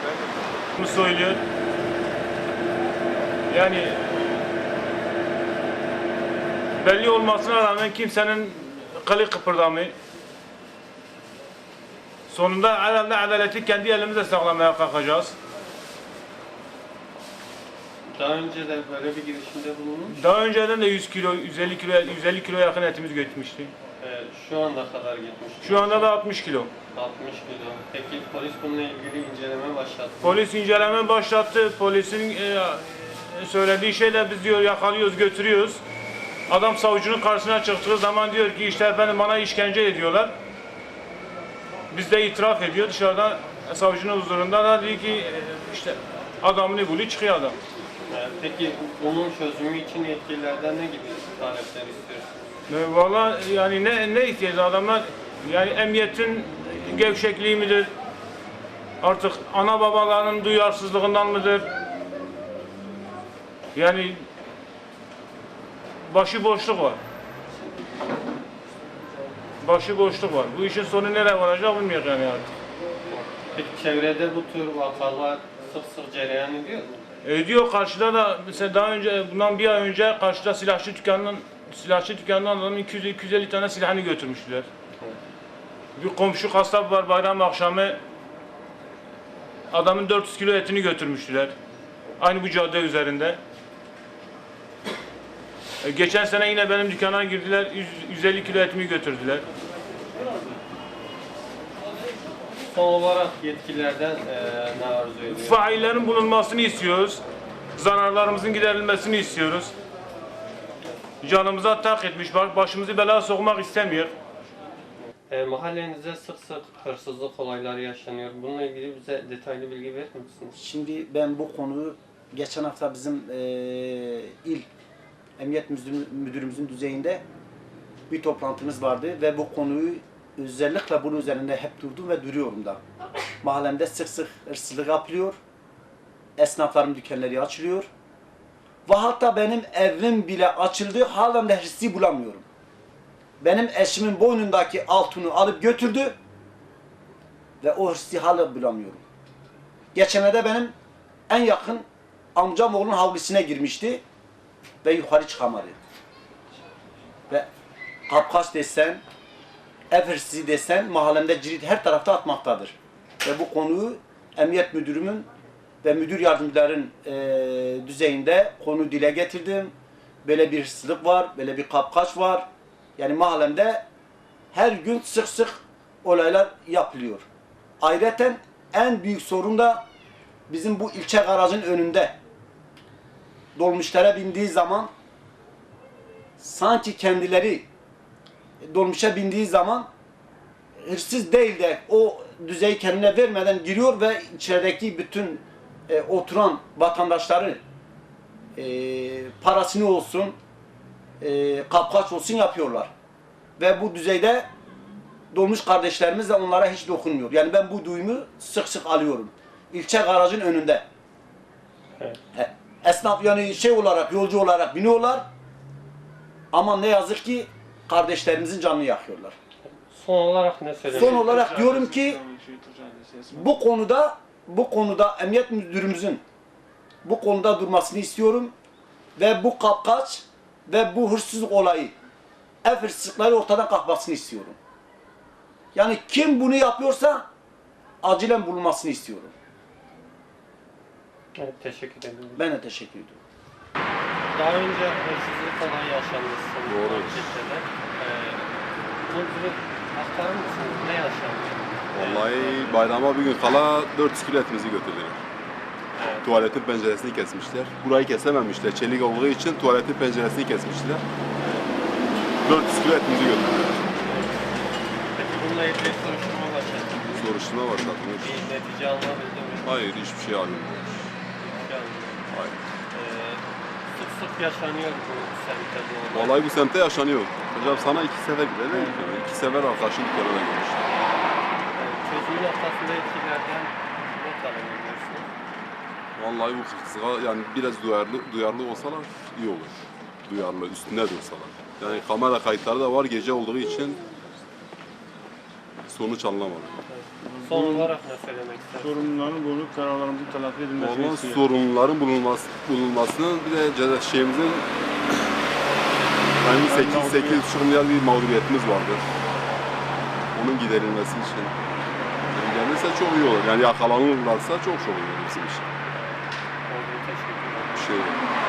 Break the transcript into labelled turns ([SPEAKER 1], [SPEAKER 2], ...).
[SPEAKER 1] Bunu söylüyor. Yani belli olmasına rağmen kimsenin kılı kıpırdamıyor. Sonunda herhalde adaleti kendi elimizle sağlamaya kalkacağız.
[SPEAKER 2] Daha önce de böyle bir girişimde bulunmuş.
[SPEAKER 1] Daha önceden de 100 kilo, 150 kilo yakın etimiz götürmüştü.
[SPEAKER 2] Şu anda kadar gitmiş.
[SPEAKER 1] Şu anda da 60 kilo.
[SPEAKER 2] 60 kilo. Peki polis bununla ilgili inceleme başlattı.
[SPEAKER 1] Polis inceleme başlattı. Polisin söylediği şeyler biz diyor yakalıyoruz, götürüyoruz. Adam savcının karşısına çıktığı zaman diyor ki işte efendim bana işkence ediyorlar. Biz de itiraf ediyor dışarıda savcının huzurunda da diyor ki işte adamını buluyor çıkıyor adam.
[SPEAKER 2] Peki bunun çözümü için yetkililerden ne gibi talepler istiyorsunuz?
[SPEAKER 1] Vallahi yani ne ihtiyacı adamlar yani emniyetin gevşekliği midir? Artık ana babaların duyarsızlığından mıdır? Yani başıboşluk var. Başıboşluk var. Bu işin sonu nereye varacak bilmiyorum yani artık.
[SPEAKER 2] Peki çevrede bu tür vakalar sık sık cereyan ediyor mu?
[SPEAKER 1] Ediyor karşıda da mesela daha önce bundan bir ay önce karşıda silahçı dükkanından adamın 200-250 tane silahını götürmüşler. Bir komşu kasap var bayram akşamı adamın 400 kilo etini götürmüştüler. Aynı bu cadde üzerinde. Geçen sene yine benim dükkana girdiler 150 kilo etimi götürdüler.
[SPEAKER 2] Son olarak yetkililerden ne arzu ediyorsunuz?
[SPEAKER 1] Faillerin bulunmasını istiyoruz. Zararlarımızın giderilmesini istiyoruz. Canımıza tak etmiş, başımızı belaya sokmak istemiyor.
[SPEAKER 2] Mahallenizde sık sık hırsızlık olayları yaşanıyor. Bununla ilgili bize detaylı bilgi verir misiniz?
[SPEAKER 3] Şimdi ben bu konuyu geçen hafta bizim il emniyet müdürümüzün düzeyinde bir toplantımız vardı ve bu konuyu özellikle bunun üzerinde hep durdum ve duruyorum da. Mahallemde sık sık hırsızlık yapılıyor. Esnafların dükkanları açılıyor. Ve hatta benim evim bile açıldı. Halen de hırsızı bulamıyorum. Benim eşimin boynundaki altını alıp götürdü. Ve o hırsızı hala bulamıyorum. Geçenlerde benim en yakın amcam oğlunun havlusuna girmişti. Ve yukarı çıkamadı. Ve kapkaç desen, ev hırsızı desen mahallemde cirit her tarafta atmaktadır. Ve bu konuyu emniyet müdürümün ve müdür yardımcıların düzeyinde konu dile getirdim. Böyle bir hırsızlık var, böyle bir kapkaç var. Yani mahallemde her gün sık sık olaylar yapılıyor. Ayrıca en büyük sorun da bizim bu ilçe garajın önünde dolmuşlara bindiği zaman sanki kendileri dolmuşa bindiği zaman hırsız değil de o düzeyi kendine vermeden giriyor ve içerideki bütün oturan vatandaşları parasını olsun kapkaç olsun yapıyorlar. Ve bu düzeyde dolmuş kardeşlerimiz de onlara hiç dokunmuyor. Yani ben bu duyumu sık sık alıyorum. İlçe garajın önünde.
[SPEAKER 2] Evet.
[SPEAKER 3] Esnaf yani şey olarak, yolcu olarak biniyorlar. Ama ne yazık ki kardeşlerimizin canını yakıyorlar.
[SPEAKER 2] Son olarak ne söylemek?
[SPEAKER 3] Son olarak diyorum ki bu konuda emniyet müdürümüzün bu konuda durmasını istiyorum ve bu kapkaç ve bu hırsızlık olayı ev hırsızlıkları ortadan kalkmasını istiyorum. Yani kim bunu yapıyorsa acilen bulunmasını istiyorum.
[SPEAKER 2] Evet, teşekkür ederim.
[SPEAKER 3] Ben de teşekkür ediyorum.
[SPEAKER 2] Daha önce hırsızlık olayı yaşanmışsın.
[SPEAKER 4] Doğru.
[SPEAKER 2] Bunu aktarır mısınız? Ne yaşandı?
[SPEAKER 4] Vallahi bayrama bir gün kala 400 kilo etimizi götürdüler.
[SPEAKER 2] Evet.
[SPEAKER 4] Tuvaletin penceresini kesmişler. Burayı kesememişler. Çelik olduğu için tuvaletin penceresini kesmişler. 400 kilo etimizi götürdüler.
[SPEAKER 2] Peki bununla ilgili soruşturma başladı.
[SPEAKER 4] Soruşturma başlatmış.
[SPEAKER 2] Bir netice alınabildi mi?
[SPEAKER 4] Hayır, hiçbir şey alınmıyor. Hayır.
[SPEAKER 2] Sık sık yaşanıyor bu semtte bu olay.
[SPEAKER 4] Vallahi bu semtte yaşanıyor. Hocam sana 2 sefer gidelim. 2 sefer arkadaşın dükkanına girmiş.
[SPEAKER 2] Çözümü noktasında etkilerden ne talep ediyorsunuz?
[SPEAKER 4] Vallahi bu hırsızlığa yani biraz duyarlı olsalar iyi olur. Duyarlı, üstünde dursalar. Yani kamera kayıtları da var gece olduğu için sonuç alınamadı.
[SPEAKER 2] Evet. Son olarak ne söylemek istersiniz?
[SPEAKER 1] Sorunların bunu kararlarımızın telafi edilmesini
[SPEAKER 4] Olan
[SPEAKER 1] istiyor.
[SPEAKER 4] sorunların bulunmasının bir de şeyimizin yani 8,5 milyar bir mağduriyetimiz vardır. Onun giderilmesi için. Yani gelirse çok iyi olur. Yani yakalanırlarsa çok iyi olur bizim için.
[SPEAKER 2] Oldu, teşekkürler.
[SPEAKER 4] Bir şey yok.